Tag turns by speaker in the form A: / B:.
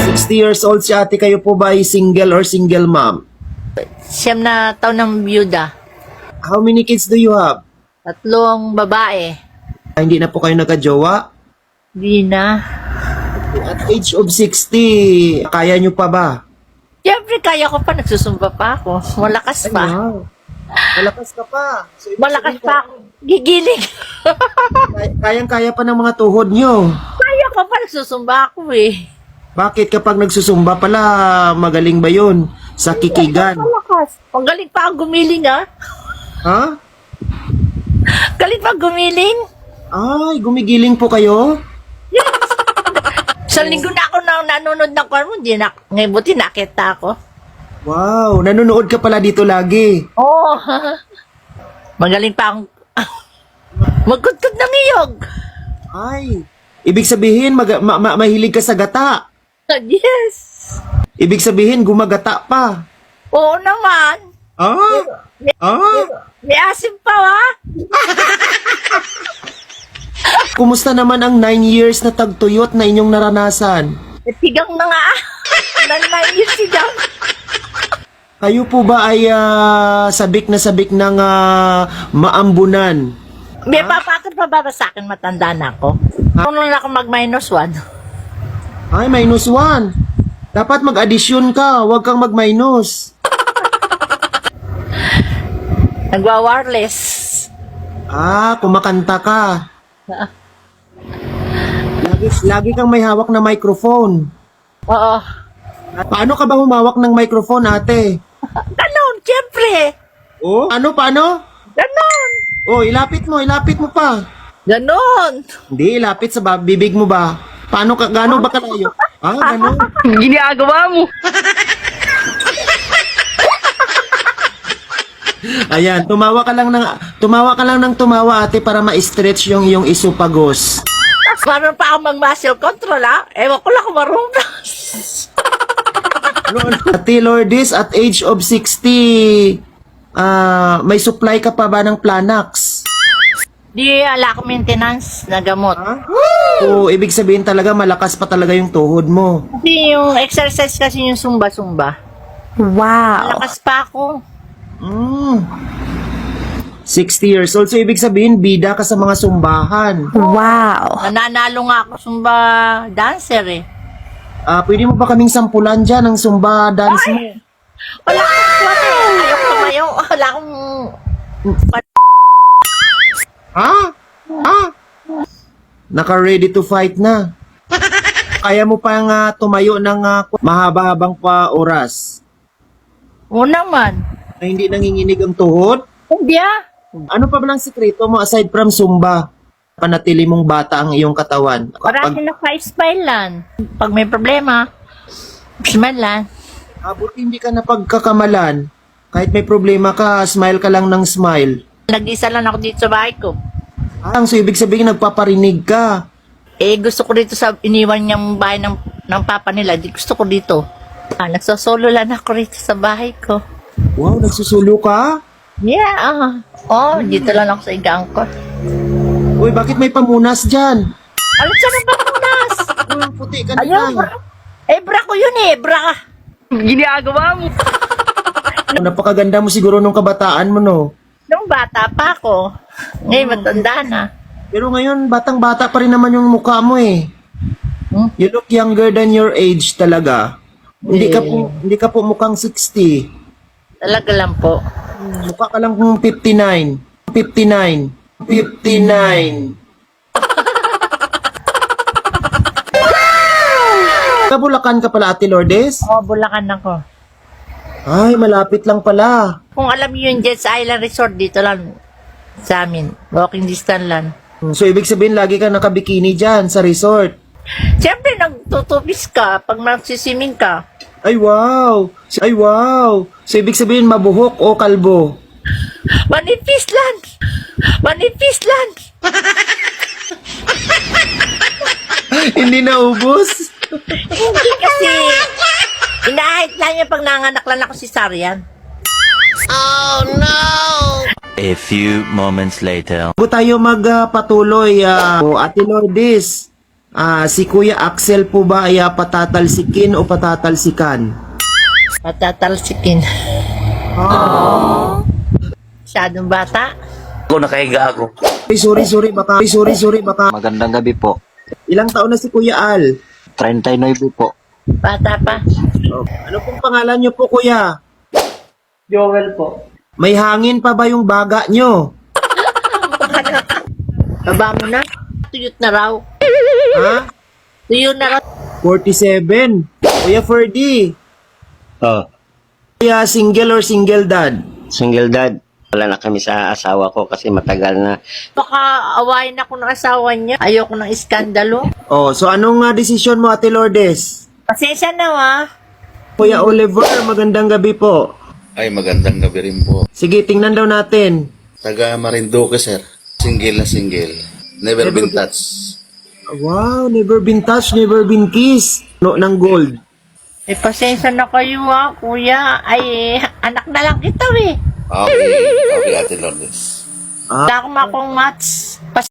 A: 60 years old si ate, kayo po ba ay single or single mom?
B: Siyam na taon ng byuda.
A: How many kids do you have?
B: 3 babae.
A: Hindi na po kayo nagka-jowa?
B: Di na.
A: At age of 60, kaya nyo pa ba?
B: Siyempre, kaya ko pa. Nagsusumba pa ako. Malakas pa.
A: Wow. Malakas ka pa. So, ibig
B: Malakas
A: sabihin,
B: pa ako. Gigiling.
A: Kayang-kaya pa ng mga tuhod nyo.
B: Kaya ko pa. Nagsusumba ako eh.
A: Bakit kapag nagsusumba pala, magaling ba yun? Sa kikigan.
B: Malakas. Ang galing pa ang gumiling ah.
A: Ha?
B: Galing pa ang gumiling.
A: Ay, gumigiling po kayo?
B: Sa linggo na ako nanonood ng kwan mo. Ngayon buti nakita ako.
A: Wow, nanonood ka pala dito lagi.
B: Oo. Magaling pa ang... Magkudkod ng iyog.
A: Ay, ibig sabihin, mahilig ka sa gata.
B: Yes.
A: Ibig sabihin, gumagata pa.
B: Oo naman.
A: Ah? Ah?
B: May asim pa ha.
A: Kumusta naman ang 9 years na tagtuyot na inyong naranasan?
B: Sigang na nga. Nanayos sigang.
A: Kayo po ba ay sabik ng maambunan?
B: May papakit pa ba sa akin matanda na ako? Kung lang ako mag-1.
A: Ay, -1. Dapat mag-addition ka, huwag kang mag-minus.
B: Nagwa-wireless.
A: Kumakanta ka. Lagi kang may hawak na microphone.
B: Oo.
A: Paano ka ba humawak ng microphone, ate?
B: Ganon, siyempre.
A: Oh? Paano?
B: Ganon.
A: Oh, ilapit mo pa.
B: Ganon.
A: Hindi, ilapit sa bibig mo ba? Gano'n ba kalayo? Gano'n.
B: Ginagawa mo.
A: Ayan, tumawa ka lang ng tumawa, ate, para ma-stretch yung iyong isopagos.
B: Meron pa ako mag-muscle control ha. Ewan ko lang kung marunong.
A: Ate Lourdes, at age of 60, may supply ka pa ba ng Planax?
B: Di ala ko maintenance na gamot.
A: O, ibig sabihin talaga malakas pa talaga yung tuhod mo.
B: Kasi yung exercise kasi yung sumba-sumba.
C: Wow.
B: Malakas pa ako.
A: 60 years old. So, ibig sabihin, bida ka sa mga sumbahan.
C: Wow.
B: Nananalo nga ako sumba dancer eh.
A: Pwede mo ba kaming sampulan dyan ng sumba dance mo?
B: Wala akong kwan eh. Ayoko tumayo. Wala akong...
A: Naka-ready to fight na. Kaya mo pang tumayo ng mahaba-habang pa oras
B: Oo naman.
A: na hindi nanginginig ang tuhod?
B: Hindi ah.
A: Ano pa ba lang sikreto mo aside from Zumba? Panatili mong bata ang iyong katawan.
B: Parati naka-smile lang. Pag may problema, smile lang.
A: Buti hindi ka napagkakamalan. Kahit may problema ka, smile ka lang ng smile.
B: Nag-isa lang ako dito sa bahay ko.
A: So ibig sabihin nagpaparinig ka.
B: Gusto ko dito sa iniwan niyang bahay ng papa nila. Gusto ko dito. Nagsosolo lang ako rito sa bahay ko.
A: Wow, nagsusulo ka?
B: Yeah. Dito lang ako sa igang ko.
A: Uy, bakit may pamunas dyan?
B: Ano siya na pamunas?
A: Puti ka
B: Ayun,
A: na.
B: bra ko yun eh. Bra. Ginagawa mo.
A: Napakaganda mo siguro nung kabataan mo, no?
B: Nung bata pa ako. Ngayon matanda na.
A: Pero ngayon, batang-bata pa rin naman yung mukha mo eh. You look younger than your age talaga. Hindi ka po mukhang 60.
B: Talaga lang po.
A: Mukha ka lang kung 59. 59. Kabulakan ka pala, Ate Lourdes?
B: Bulacan ako.
A: Ay, malapit lang pala.
B: Kung alam niyo yung Jets Island Resort, dito lang sa amin. Walking distance lang.
A: So, ibig sabihin, lagi ka nakabikini dyan sa resort.
B: Siyempre, nagtutupis ka pag magsisiming ka.
A: Ay, wow! So, ibig sabihin, mabuhok o kalbo?
B: Manipis lang!
A: Hindi naubos?
B: Hindi kasi, inahit lang niya pag nanganak lang ako si Sarian.
D: A few moments later.
A: Bago tayo magpatuloy, Ate Lourdes, Si Kuya Axel po ba ay patatalsikin o patatalsikan?
B: Patatalsikin. Masyadong bata.
D: Ako nakahiga ako.
A: Sorry, baka.
D: Magandang gabi po.
A: Ilang taon na si Kuya Al?
D: 39 po.
B: Bata pa.
A: Ano pong pangalan niyo po, Kuya?
B: Joel po.
A: May hangin pa ba yung baga niyo?
B: Baba mo na. Tuyot na raw.
A: Ha?
B: Tuyot na raw.
A: 47. Kuya Ferdy,
D: Oh,
A: Kuya single or single dad?
D: single dad. Wala na kami sa asawa ko kasi matagal na.
B: Baka awayin ako ng asawa niya. Ayoko ng iskandalo.
A: So anong desisyon mo, Ate Lourdes?
B: Pasensya na wa.
A: Kuya Oliver, magandang gabi po.
E: Ay, magandang gabi rin po.
A: Sige, tingnan daw natin.
E: Taga Marinduque, sir. Single na single. Never been touched.
A: Wow, never been touched, never been kissed. No, ng gold.
B: Eh, pasensya na kayo ha, kuya. Ay, anak na lang kita eh.
E: Okay, okay, Ate Lourdes.
B: Wala akong match.